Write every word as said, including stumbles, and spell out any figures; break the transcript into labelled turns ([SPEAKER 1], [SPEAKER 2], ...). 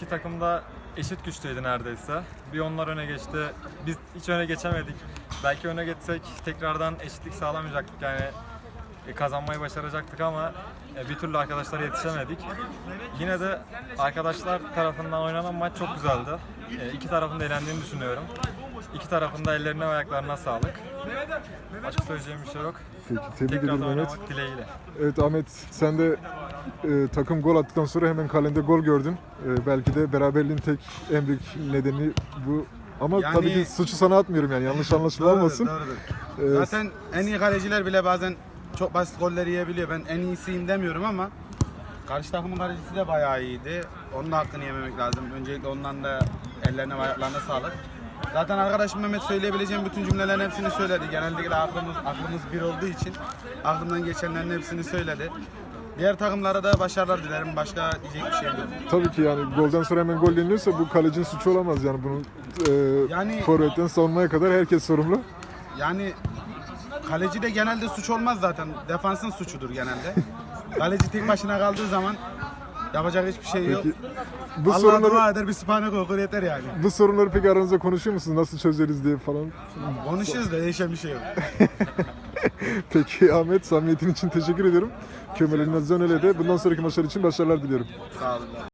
[SPEAKER 1] iki takım da eşit güçteydi neredeyse. Bir onlar öne geçti. Biz hiç öne geçemedik. Belki öne geçsek tekrardan eşitlik sağlamayacaktık. Yani e, kazanmayı başaracaktık ama e, bir türlü arkadaşlara yetişemedik. Yine de arkadaşlar tarafından oynanan maç çok güzeldi. E, iki tarafın da eğlendiğini düşünüyorum. İki tarafın da ellerine ve ayaklarına sağlık. Başka söyleyeceğim bir şey yok.
[SPEAKER 2] Peki, tebrik
[SPEAKER 1] Tekrar
[SPEAKER 2] ederim
[SPEAKER 1] da
[SPEAKER 2] Ahmet.
[SPEAKER 1] oynamak dileğiyle.
[SPEAKER 2] Evet Ahmet, sen de e, takım gol attıktan sonra hemen kalende gol gördün. E, belki de beraberliğin tek en büyük nedeni bu. Ama
[SPEAKER 3] Yani-
[SPEAKER 2] tabii ki suçu sana atmıyorum yani, yanlış anlaşılma olmasın.
[SPEAKER 3] Doğrudur.
[SPEAKER 2] E,
[SPEAKER 3] Zaten en iyi kaleciler bile bazen çok basit goller yiyebiliyor. Ben en iyisiyim demiyorum ama karşı takımın kalecisi de bayağı iyiydi. Onun da hakkını yememek lazım. Öncelikle ondan da ellerine ve ayaklarına sağlık. Zaten arkadaşım Mehmet söyleyebileceğim bütün cümlelerin hepsini söyledi. Genellikle aklımız, aklımız bir olduğu için aklımdan geçenlerin hepsini söyledi. Diğer takımlara da başarılar dilerim. Başka diyecek bir şey yok.
[SPEAKER 2] Tabii ki yani golden sonra hemen gol yeniliyorsa bu kalecinin suçu olamaz yani, bunun e,
[SPEAKER 3] Yani-
[SPEAKER 2] forvetten savunmaya kadar herkes sorumlu.
[SPEAKER 3] Yani kaleci de genelde suç olmaz zaten. Defansın suçudur genelde. Kaleci tek başına kaldığı zaman yapacak hiçbir şey yok.
[SPEAKER 2] Peki bu
[SPEAKER 3] Allah
[SPEAKER 2] sorunları
[SPEAKER 3] dua eder, bir sübhanek okur yeter yani.
[SPEAKER 2] bu sorunları peki aranızda konuşuyor musunuz? Nasıl çözeriz diye falan?
[SPEAKER 3] Konuşuyoruz da değişen bir şey yok.
[SPEAKER 2] Peki Ahmet, samimiyetin için teşekkür ediyorum. Kömel Elmez Zönel'e de bundan sonraki maçlar için başarılar diliyorum.
[SPEAKER 3] Sağ olun.